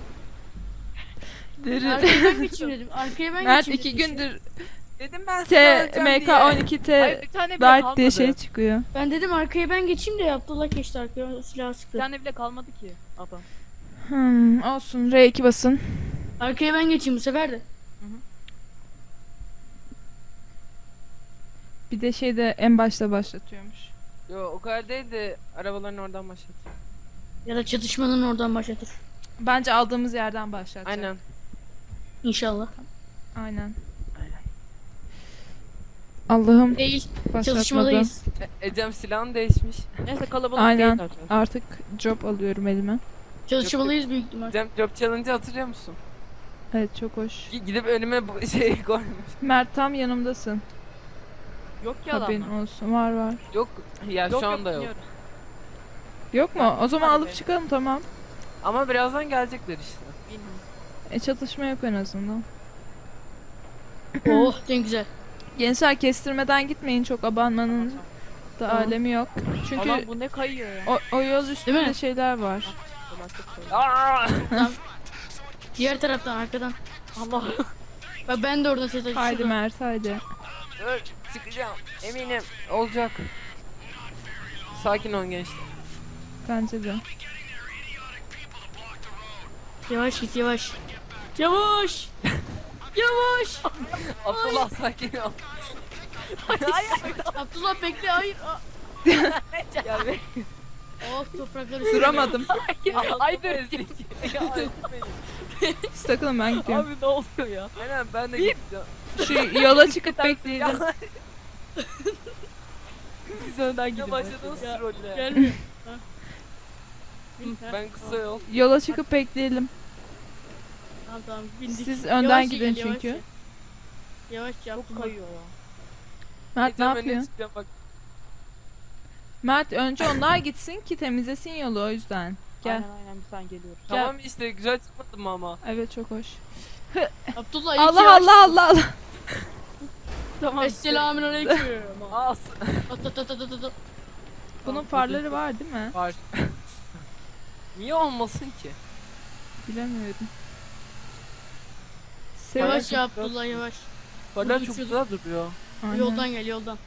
[SPEAKER 3] Arkaya ben geçeyim dedim. Arkaya ben
[SPEAKER 1] Mert
[SPEAKER 3] geçeyim
[SPEAKER 1] iki
[SPEAKER 3] dedim.
[SPEAKER 1] gündür
[SPEAKER 4] Dedim ben size
[SPEAKER 1] T
[SPEAKER 4] öleceğim
[SPEAKER 1] M K
[SPEAKER 4] diye.
[SPEAKER 1] on iki
[SPEAKER 2] Hayır
[SPEAKER 1] T
[SPEAKER 2] bir tane bile
[SPEAKER 1] Dart
[SPEAKER 2] kalmadı.
[SPEAKER 1] diye şey çıkıyor.
[SPEAKER 3] Ben dedim arkaya ben geçeyim de Abdullah geçti arkaya silah
[SPEAKER 2] Bir
[SPEAKER 3] sıktı.
[SPEAKER 2] tane bile kalmadı ki adam.
[SPEAKER 1] Hmm, olsun R iki basın.
[SPEAKER 3] Arkaya ben geçeyim bu sefer de.
[SPEAKER 1] Bir de şey de en başta başlatıyormuş.
[SPEAKER 4] Yo o kadar değil de arabaların oradan başlat.
[SPEAKER 3] Ya da çatışmanın oradan başlatır.
[SPEAKER 1] Bence aldığımız yerden başlatacak.
[SPEAKER 4] Aynen.
[SPEAKER 3] İnşallah.
[SPEAKER 1] Aynen.
[SPEAKER 4] Aynen.
[SPEAKER 1] Allah'ım
[SPEAKER 3] Değil.
[SPEAKER 1] başlatmadı.
[SPEAKER 3] Çalışmadayız.
[SPEAKER 4] E, Ecem silahın değişmiş.
[SPEAKER 2] Neyse kalabalık
[SPEAKER 1] Aynen.
[SPEAKER 2] değil zaten.
[SPEAKER 1] Artık job alıyorum elime.
[SPEAKER 3] Çalışmalıyız büyük ihtimal.
[SPEAKER 4] Ecem Job Challenge'ı hatırlıyor musun?
[SPEAKER 1] Evet çok hoş.
[SPEAKER 4] G- Gidip önüme bu şey koymuş.
[SPEAKER 1] Mert tam yanımdasın.
[SPEAKER 2] Yok ki
[SPEAKER 1] Haberin
[SPEAKER 2] adamlar.
[SPEAKER 1] olsun. Var var.
[SPEAKER 4] Yok ya
[SPEAKER 2] Yok
[SPEAKER 4] şu anda yok.
[SPEAKER 2] biliyorum.
[SPEAKER 1] Yok mu? O zaman
[SPEAKER 2] Hadi
[SPEAKER 1] alıp
[SPEAKER 2] be.
[SPEAKER 1] çıkalım tamam.
[SPEAKER 4] Ama birazdan gelecekler işte.
[SPEAKER 2] Bilmiyorum.
[SPEAKER 1] E çatışma yok en azından.
[SPEAKER 3] Oh ne güzel.
[SPEAKER 1] Gençler kestirmeden gitmeyin, çok abanmanın da
[SPEAKER 3] Tamam.
[SPEAKER 1] alemi yok. Çünkü
[SPEAKER 2] Aman bu ne kayıyor ya.
[SPEAKER 1] o, o yol üstünde
[SPEAKER 3] mi?
[SPEAKER 1] şeyler var.
[SPEAKER 2] Felaket kayıyor.
[SPEAKER 4] Aa!
[SPEAKER 3] Diğer taraftan arkadan.
[SPEAKER 2] Allah.
[SPEAKER 3] Bak ben de oradan ses açıyorum.
[SPEAKER 1] Haydi Mert haydi.
[SPEAKER 4] Dur, çıkacağım. Eminim olacak. Sakin olun gençler.
[SPEAKER 1] Bence de.
[SPEAKER 3] Yavaş git yavaş. Yavaş. Yavaş.
[SPEAKER 4] Abdullah sakin ol.
[SPEAKER 3] Abdullah bekle hayır. Aa.
[SPEAKER 2] Ya be.
[SPEAKER 3] Oh toprakları
[SPEAKER 1] Duramadım.
[SPEAKER 2] Ay dur.
[SPEAKER 1] Siz takılın ben gidiyorum.
[SPEAKER 2] Abi ne oluyor ya?
[SPEAKER 4] Aynen ben de gideceğim.
[SPEAKER 1] Şu yola çıkıp bekleyelim.
[SPEAKER 2] Siz önden gidin.
[SPEAKER 4] Ya başladınız
[SPEAKER 3] Ya,
[SPEAKER 4] trolle.
[SPEAKER 3] Gelmiyor. Ha.
[SPEAKER 4] Ben kısa yol.
[SPEAKER 1] Yola çıkıp bekleyelim.
[SPEAKER 3] Tamam tamam bindik.
[SPEAKER 1] Siz önden
[SPEAKER 3] Yavaşça
[SPEAKER 1] gidin
[SPEAKER 3] gel, yavaşça.
[SPEAKER 1] çünkü.
[SPEAKER 3] Yavaşça
[SPEAKER 2] Çok
[SPEAKER 3] Abdullah.
[SPEAKER 2] kayıyor ya.
[SPEAKER 1] Mert ne
[SPEAKER 4] Ecem önüne
[SPEAKER 1] yapıyor?
[SPEAKER 4] çıkacağım bak.
[SPEAKER 1] Mert önce onlar gitsin ki temizlesin yolu, o yüzden. Gel.
[SPEAKER 2] Aynen aynen bir sen geliyoruz.
[SPEAKER 1] Gel.
[SPEAKER 4] Tamam işte güzel çıkmadı mı ama?
[SPEAKER 1] Evet çok hoş.
[SPEAKER 3] Abdullah ilk
[SPEAKER 1] Allah
[SPEAKER 3] yavaş.
[SPEAKER 1] Allah Allah Allah.
[SPEAKER 2] Tamam.
[SPEAKER 3] Esselamünaleyküm.
[SPEAKER 4] As.
[SPEAKER 3] At at at at at at.
[SPEAKER 1] Bunun farları var değil mi?
[SPEAKER 4] Var. Niye olmasın ki?
[SPEAKER 1] Bilemiyorum.
[SPEAKER 3] Yavaş
[SPEAKER 1] Sev-
[SPEAKER 3] ya Abdullah yavaş.
[SPEAKER 4] Farlar
[SPEAKER 3] Dur,
[SPEAKER 4] çok
[SPEAKER 3] dur.
[SPEAKER 4] güzel duruyor.
[SPEAKER 1] Aynen.
[SPEAKER 3] Yoldan gel yoldan.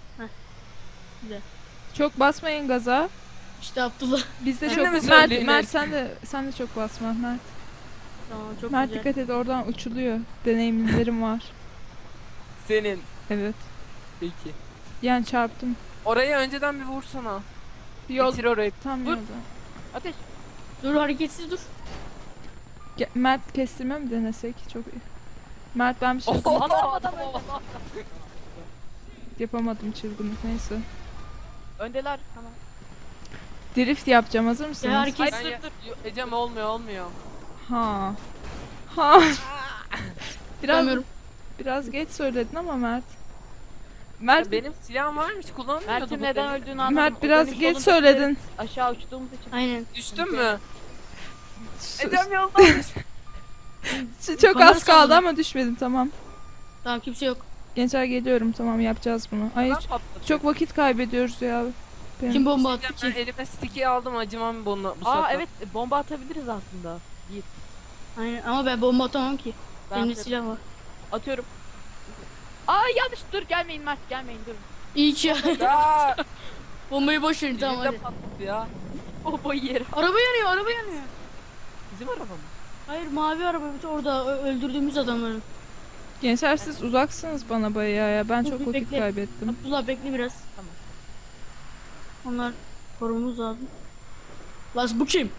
[SPEAKER 1] Çok basmayın gaza.
[SPEAKER 3] İşte Abdullah.
[SPEAKER 1] Biz de
[SPEAKER 4] Şimdi mi
[SPEAKER 1] çok Mert,
[SPEAKER 4] söyleyin
[SPEAKER 1] Mert
[SPEAKER 4] hep?
[SPEAKER 1] sen de sen de çok basma Mert.
[SPEAKER 3] Tamam çok
[SPEAKER 1] Mert
[SPEAKER 3] güzel.
[SPEAKER 1] dikkat et, oradan uçuluyor. Deneyimlerim var.
[SPEAKER 4] Senin.
[SPEAKER 1] Evet.
[SPEAKER 4] Peki.
[SPEAKER 1] Yani çarptım.
[SPEAKER 4] Oraya önceden bir vursana.
[SPEAKER 1] Yol
[SPEAKER 4] Bitir orayı.
[SPEAKER 1] tam
[SPEAKER 2] Dur.
[SPEAKER 1] yolda.
[SPEAKER 2] Ateş.
[SPEAKER 3] Dur hareketsiz dur.
[SPEAKER 1] Ge- Mert kestirme mi denesek? Çok iyi. Mert ben bir şey
[SPEAKER 4] Oh.
[SPEAKER 2] Adam adam öldü.
[SPEAKER 1] yapamadım, çılgınlık neyse.
[SPEAKER 2] Öndeler. Tamam.
[SPEAKER 1] Drift yapacağım, hazır mısınız?
[SPEAKER 3] Ya hareket-
[SPEAKER 4] Ben ya- Yo, Ecem olmuyor olmuyor.
[SPEAKER 1] Ha. Ha. biraz
[SPEAKER 3] Bilmiyorum.
[SPEAKER 1] biraz geç söyledin ama Mert. Mert
[SPEAKER 4] Benim silahım varmış kullanmıyordum.
[SPEAKER 2] Mert'in neden öldüğünü anladım.
[SPEAKER 1] Mert
[SPEAKER 2] O
[SPEAKER 1] biraz
[SPEAKER 2] dönüş
[SPEAKER 1] geç
[SPEAKER 2] yolunda
[SPEAKER 1] söyledin.
[SPEAKER 2] Aşağı uçtuğumuz için.
[SPEAKER 3] Aynen.
[SPEAKER 4] Düştün mü?
[SPEAKER 1] S-
[SPEAKER 4] Ecem yoldaymış.
[SPEAKER 1] s- Çok
[SPEAKER 3] Kamera
[SPEAKER 1] az kaldı
[SPEAKER 3] sallıyor.
[SPEAKER 1] ama düşmedim, tamam.
[SPEAKER 3] Tamam kimse yok.
[SPEAKER 1] Gençler geliyorum, tamam yapacağız bunu. Ay
[SPEAKER 4] Ben
[SPEAKER 1] hiç-
[SPEAKER 4] patladım.
[SPEAKER 1] çok vakit kaybediyoruz ya. Benim-
[SPEAKER 3] Kim bomba attı
[SPEAKER 4] Ben
[SPEAKER 3] ki?
[SPEAKER 4] elime stick'i aldım acımam bunu bu
[SPEAKER 2] Aa
[SPEAKER 4] sefer.
[SPEAKER 2] evet bomba atabiliriz aslında. Yiğit.
[SPEAKER 3] Aynen ama ben bomba atamam ki.
[SPEAKER 2] Ben
[SPEAKER 3] Elimde
[SPEAKER 2] atıyorum.
[SPEAKER 3] silah var.
[SPEAKER 2] Atıyorum. Aa yanlış, dur gelmeyin Mert, gelmeyin dur.
[SPEAKER 3] İyi ki ya.
[SPEAKER 4] Ya
[SPEAKER 3] Bombayı boş verin tamam
[SPEAKER 4] elimde
[SPEAKER 3] hadi.
[SPEAKER 4] patladı ya.
[SPEAKER 2] Bombayı yerim.
[SPEAKER 3] Araba yanıyor araba yanıyor.
[SPEAKER 2] Bizim araba mı?
[SPEAKER 3] Hayır mavi araba bir de orada ö- öldürdüğümüz adamların.
[SPEAKER 1] Gençler siz uzaksınız bana bayağı ya. Ben
[SPEAKER 3] Dur,
[SPEAKER 1] çok
[SPEAKER 3] bir
[SPEAKER 1] vakit
[SPEAKER 3] bekle.
[SPEAKER 1] kaybettim.
[SPEAKER 3] Abdullah bekle biraz.
[SPEAKER 2] Tamam.
[SPEAKER 3] Onlar korumamız lazım. Lan bu kim?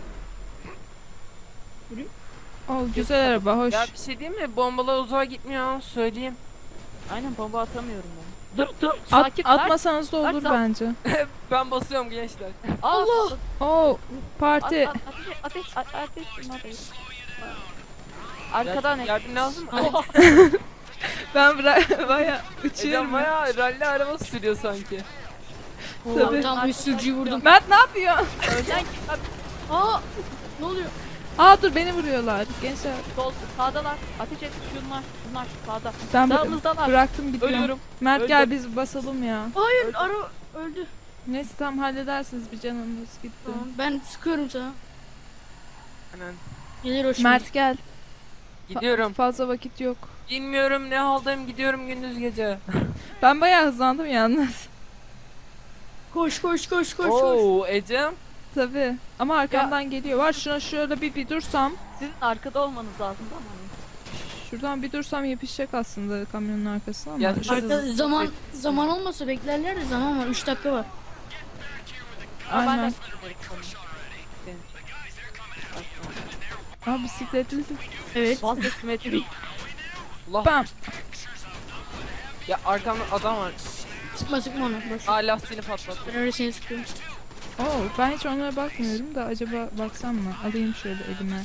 [SPEAKER 1] Oh, güzel araba, hoş.
[SPEAKER 4] Ya bir şey diyeyim mi? Bombalar uzağa gitmiyor söyleyeyim.
[SPEAKER 2] Aynen bomba atamıyorum ben. Dur dur
[SPEAKER 1] At,
[SPEAKER 2] sakin Mert.
[SPEAKER 1] atmasanız da
[SPEAKER 2] Mert,
[SPEAKER 1] olur
[SPEAKER 2] at.
[SPEAKER 1] bence.
[SPEAKER 4] Ben basıyorum gençler.
[SPEAKER 2] Allah.
[SPEAKER 1] Oh, parti.
[SPEAKER 2] At, at, ateş ateş a- ateş ateş. Arkadan
[SPEAKER 4] Yardım-
[SPEAKER 2] ek.
[SPEAKER 4] yardım lazım mı?
[SPEAKER 1] Ben bırak bayağı
[SPEAKER 4] Ecem
[SPEAKER 1] uçuyorum.
[SPEAKER 4] bayağı ralli arabası sürüyor sanki.
[SPEAKER 1] Tabii.
[SPEAKER 3] Tam bir sürücüyü vurdum.
[SPEAKER 1] Mert ne yapıyor?
[SPEAKER 2] Önden git.
[SPEAKER 3] Aa! Ne oluyor?
[SPEAKER 1] Aa dur beni vuruyorlar. Gençler
[SPEAKER 2] Sol sağdalar. Ateş et şunlar. Şunlar sağda.
[SPEAKER 1] ben bı-
[SPEAKER 2] Sağımızdalar.
[SPEAKER 1] bıraktım gidiyorum.
[SPEAKER 2] Ölüyorum.
[SPEAKER 1] Mert
[SPEAKER 2] Öldüm.
[SPEAKER 1] gel biz basalım ya.
[SPEAKER 3] Hayır ara öldü.
[SPEAKER 1] Neyse tam halledersiniz bir canımız gitti.
[SPEAKER 3] Tamam ben sıkıyorum sana.
[SPEAKER 4] Hemen
[SPEAKER 3] Gelir o şimdi.
[SPEAKER 1] Mert gel. Fa-
[SPEAKER 4] gidiyorum.
[SPEAKER 1] fazla vakit yok.
[SPEAKER 4] Bilmiyorum ne haldayım, gidiyorum gündüz gece.
[SPEAKER 1] Ben bayağı hızlandım yalnız.
[SPEAKER 3] Koş koş koş koş koş.
[SPEAKER 4] Oo Ecem.
[SPEAKER 1] Tabii. Ama arkamdan geliyor. Var şuna şöyle bir bir dursam.
[SPEAKER 2] Sizin arkada olmanız lazım ama.
[SPEAKER 1] Şuradan bir dursam yapışacak aslında kamyonun arkasına ama.
[SPEAKER 4] Ya
[SPEAKER 1] Şu-
[SPEAKER 3] Arka, zaman zaman olmasa beklerler de zaman var. üç dakika var.
[SPEAKER 2] Ama ben de
[SPEAKER 1] Aynen.
[SPEAKER 2] Senin.
[SPEAKER 1] Aa bisikletli.
[SPEAKER 3] Evet.
[SPEAKER 2] Vazgeçmedi.
[SPEAKER 4] Allah.
[SPEAKER 1] Bam.
[SPEAKER 4] Ya arkamda adam var.
[SPEAKER 3] Sıkma sıkma onu. Boş.
[SPEAKER 4] Aa lastiğini patlattı.
[SPEAKER 3] Ben öyle seni sıkıyorum.
[SPEAKER 1] Oo, ben hiç onlara bakmıyorum da acaba baksam mı? Alayım şöyle elime.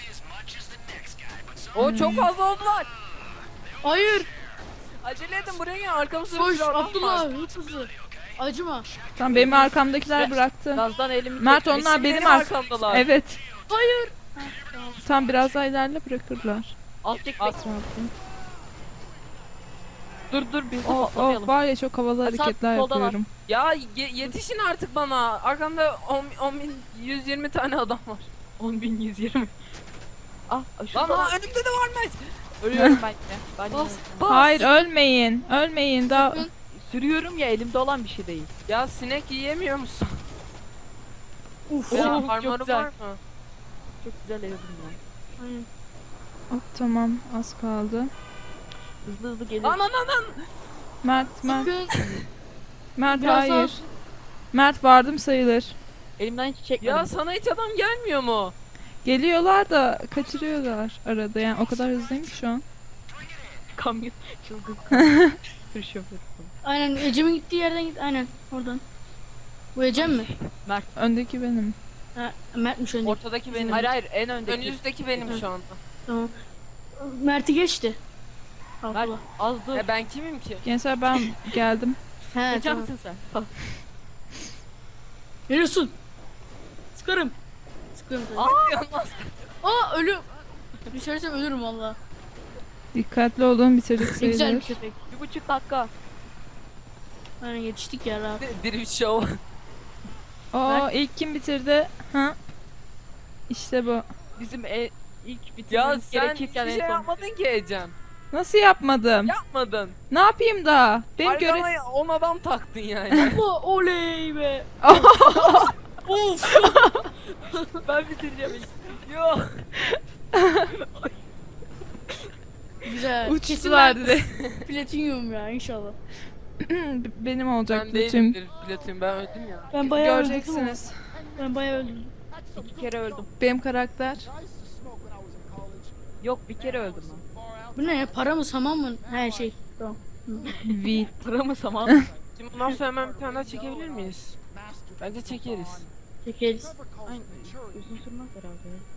[SPEAKER 4] Oo çok fazla oldular.
[SPEAKER 3] Hayır.
[SPEAKER 4] Acele edin buraya gel, arkamızda bir
[SPEAKER 3] Koş
[SPEAKER 4] sürü adam var.
[SPEAKER 3] Abdullah hızlı hızlı. Acıma.
[SPEAKER 1] Tamam benim arkamdakiler bıraktı.
[SPEAKER 2] Gazdan elimi
[SPEAKER 1] Mert
[SPEAKER 2] çek.
[SPEAKER 1] onlar
[SPEAKER 4] Eşim
[SPEAKER 1] benim
[SPEAKER 4] benim
[SPEAKER 1] ar-
[SPEAKER 4] arkamdalar.
[SPEAKER 1] Evet.
[SPEAKER 3] Hayır.
[SPEAKER 1] Tam biraz daha ilerle bırakırlar.
[SPEAKER 2] Al çek.
[SPEAKER 4] Al.
[SPEAKER 2] Dur dur biz de
[SPEAKER 1] Of of
[SPEAKER 2] patlamayalım.
[SPEAKER 1] var ya çok havalı
[SPEAKER 2] Ha, sağ-
[SPEAKER 1] hareketler
[SPEAKER 2] solda var.
[SPEAKER 1] yapıyorum.
[SPEAKER 4] Ya ye- yetişin artık bana. Arkamda on bin yüz yirmi tane adam var.
[SPEAKER 2] on bin yüz yirmi. Ah
[SPEAKER 4] Lan
[SPEAKER 2] şurada.
[SPEAKER 4] ha, önümde de varmış.
[SPEAKER 2] Ölüyorum ben yine. Ben yine
[SPEAKER 4] Bas
[SPEAKER 2] ölüyorum.
[SPEAKER 4] bas.
[SPEAKER 1] Hayır ölmeyin. Ölmeyin daha.
[SPEAKER 3] Sakın.
[SPEAKER 2] Sürüyorum ya, elimde olan bir şey değil.
[SPEAKER 4] Ya sinek yiyemiyor musun?
[SPEAKER 3] Uf.
[SPEAKER 2] Oo,
[SPEAKER 4] Ya
[SPEAKER 2] çok
[SPEAKER 4] parmağı
[SPEAKER 2] güzel.
[SPEAKER 4] var mı?
[SPEAKER 2] Çok güzel evim ya.
[SPEAKER 3] Aynen.
[SPEAKER 1] Hop, tamam az kaldı.
[SPEAKER 2] Hızlı hızlı gelir.
[SPEAKER 4] Lan lan lan lan.
[SPEAKER 1] Mert Mert
[SPEAKER 3] Sakın.
[SPEAKER 1] Mert
[SPEAKER 3] Biraz
[SPEAKER 1] hayır.
[SPEAKER 3] daha-
[SPEAKER 1] Mert vardım sayılır.
[SPEAKER 2] Elimden hiç çekmedim.
[SPEAKER 4] Ya sana hiç adam gelmiyor mu?
[SPEAKER 1] Geliyorlar da kaçırıyorlar arada yani o kadar hızlıyım ki şu an.
[SPEAKER 2] Kamyon çılgın. Tır şoförü.
[SPEAKER 3] Aynen Ecem'in gittiği yerden git. Aynen oradan. Bu Ecem mi?
[SPEAKER 1] Öndeki benim.
[SPEAKER 3] Ha, Mert'miş önce.
[SPEAKER 4] Ortadaki benim.
[SPEAKER 2] Hayır hayır en öndeki.
[SPEAKER 4] Önünüzdeki benim
[SPEAKER 3] Hı.
[SPEAKER 4] şu anda.
[SPEAKER 3] Tamam. Mert'i geçti.
[SPEAKER 2] Mert
[SPEAKER 3] Allah.
[SPEAKER 2] az dur.
[SPEAKER 4] Ya ben kimim ki?
[SPEAKER 1] Gençler ben geldim.
[SPEAKER 3] He tamam.
[SPEAKER 2] Geçemezsin sen.
[SPEAKER 3] Veriyorsun. Sıkarım. Sıkarım tabii.
[SPEAKER 2] Aa!
[SPEAKER 3] Aa ölüm. Düşersem ölürüm valla.
[SPEAKER 1] Dikkatli olun bitirdik
[SPEAKER 3] Ne güzel bir
[SPEAKER 1] sayılır.
[SPEAKER 3] köpek.
[SPEAKER 2] Bir buçuk dakika.
[SPEAKER 3] Aynen yetiştik ya rahat.
[SPEAKER 4] Bir bir show.
[SPEAKER 1] Oo ilk kim bitirdi? Ha? İşte bu.
[SPEAKER 2] Bizim e, ilk
[SPEAKER 4] Ya
[SPEAKER 2] bitirmemiz
[SPEAKER 4] sen hiçbir
[SPEAKER 2] gerekirken
[SPEAKER 4] şey
[SPEAKER 2] en son.
[SPEAKER 4] yapmadın ki Ecem.
[SPEAKER 1] Nasıl yapmadım?
[SPEAKER 4] Yapmadın.
[SPEAKER 1] Ne yapayım da? Benim göre...
[SPEAKER 4] Arkama on adam taktın yani.
[SPEAKER 3] Allah oley be.
[SPEAKER 2] Of! Ben bitireceğim ilk.
[SPEAKER 4] Yok.
[SPEAKER 3] Güzel.
[SPEAKER 1] Uçtular dedi.
[SPEAKER 3] Platinyum ya inşallah.
[SPEAKER 1] Benim olacak
[SPEAKER 4] Ben
[SPEAKER 1] bütün.
[SPEAKER 4] değilim platin, ben öldüm ya.
[SPEAKER 3] Ben bayağı öldüm.
[SPEAKER 1] Göreceksiniz.
[SPEAKER 3] Ben bayağı öldüm.
[SPEAKER 2] İki kere öldüm.
[SPEAKER 1] Benim karakter.
[SPEAKER 2] Yok bir kere öldüm ben.
[SPEAKER 3] Bu ne ya? Para mı saman mı? Her şey. Tamam.
[SPEAKER 1] V.
[SPEAKER 2] Sıra mı saman?
[SPEAKER 4] Şimdi bundan sonra hemen bir tane daha çekebilir miyiz? Bence çekeriz.
[SPEAKER 3] Çekeriz.
[SPEAKER 2] Aynen. Uzun sürmez herhalde ya.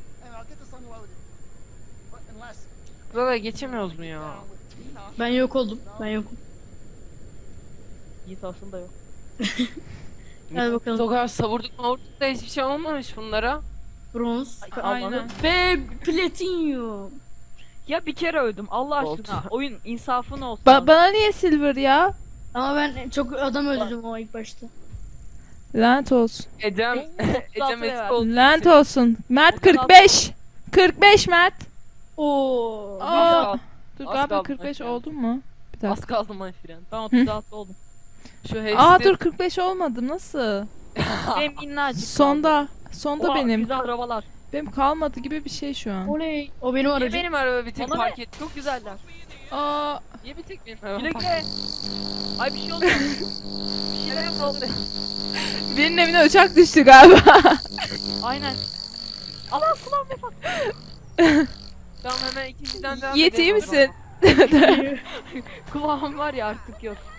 [SPEAKER 4] Burada geçemiyoruz mu ya?
[SPEAKER 3] Ben yok oldum. Ben yokum.
[SPEAKER 2] Yiğit aslında yok.
[SPEAKER 3] Hadi bakalım.
[SPEAKER 4] O kadar savurduk mavurduk da hiçbir şey olmamış bunlara.
[SPEAKER 3] Bronz.
[SPEAKER 1] Aynen.
[SPEAKER 3] Ve platinyum.
[SPEAKER 2] Ya bir kere öldüm Allah
[SPEAKER 4] Oldu.
[SPEAKER 2] aşkına. Oyun insafın olsun.
[SPEAKER 1] Ba- bana niye silver ya?
[SPEAKER 3] Ama ben çok adam öldürdüm o ilk başta.
[SPEAKER 1] Lanet olsun.
[SPEAKER 4] Ecem, Ecem
[SPEAKER 2] level.
[SPEAKER 4] eski oldu.
[SPEAKER 1] Lanet olsun. Mert kırk beş. kırk beş Mert.
[SPEAKER 3] Oo.
[SPEAKER 1] Aa.
[SPEAKER 4] Az
[SPEAKER 1] Dur
[SPEAKER 4] Az
[SPEAKER 1] galiba
[SPEAKER 4] kaldı
[SPEAKER 1] kırk beş
[SPEAKER 4] mesela.
[SPEAKER 1] oldu mu? Bir
[SPEAKER 4] Az
[SPEAKER 1] dakika.
[SPEAKER 4] kaldı my friend.
[SPEAKER 2] Ben otuz altı oldum.
[SPEAKER 4] Şu hepsi...
[SPEAKER 1] Aa dur kırk beş olmadım nasıl?
[SPEAKER 2] Benim minnacık
[SPEAKER 1] Sonda. Sonda
[SPEAKER 2] Oha,
[SPEAKER 1] benim.
[SPEAKER 2] Güzel arabalar.
[SPEAKER 1] Benim kalmadı gibi bir şey şu an.
[SPEAKER 3] Oley. O benim
[SPEAKER 4] Niye
[SPEAKER 3] aracım.
[SPEAKER 4] benim araba bir tek
[SPEAKER 2] Bana
[SPEAKER 4] park
[SPEAKER 2] ne?
[SPEAKER 4] etti?
[SPEAKER 2] Çok güzeller.
[SPEAKER 1] Aa.
[SPEAKER 4] Niye bir tek benim araba
[SPEAKER 2] Güle
[SPEAKER 4] park
[SPEAKER 2] güle. Ay bir şey oldu.
[SPEAKER 4] Bir şeyler oldu.
[SPEAKER 1] Birinin evine uçak düştü galiba.
[SPEAKER 2] Aynen. Allah kulağım vefat.
[SPEAKER 4] Tamam hemen ikinciden devam
[SPEAKER 1] Yiğit iyi
[SPEAKER 4] edelim o zaman.
[SPEAKER 1] misin?
[SPEAKER 2] Kulağım var ya artık yok.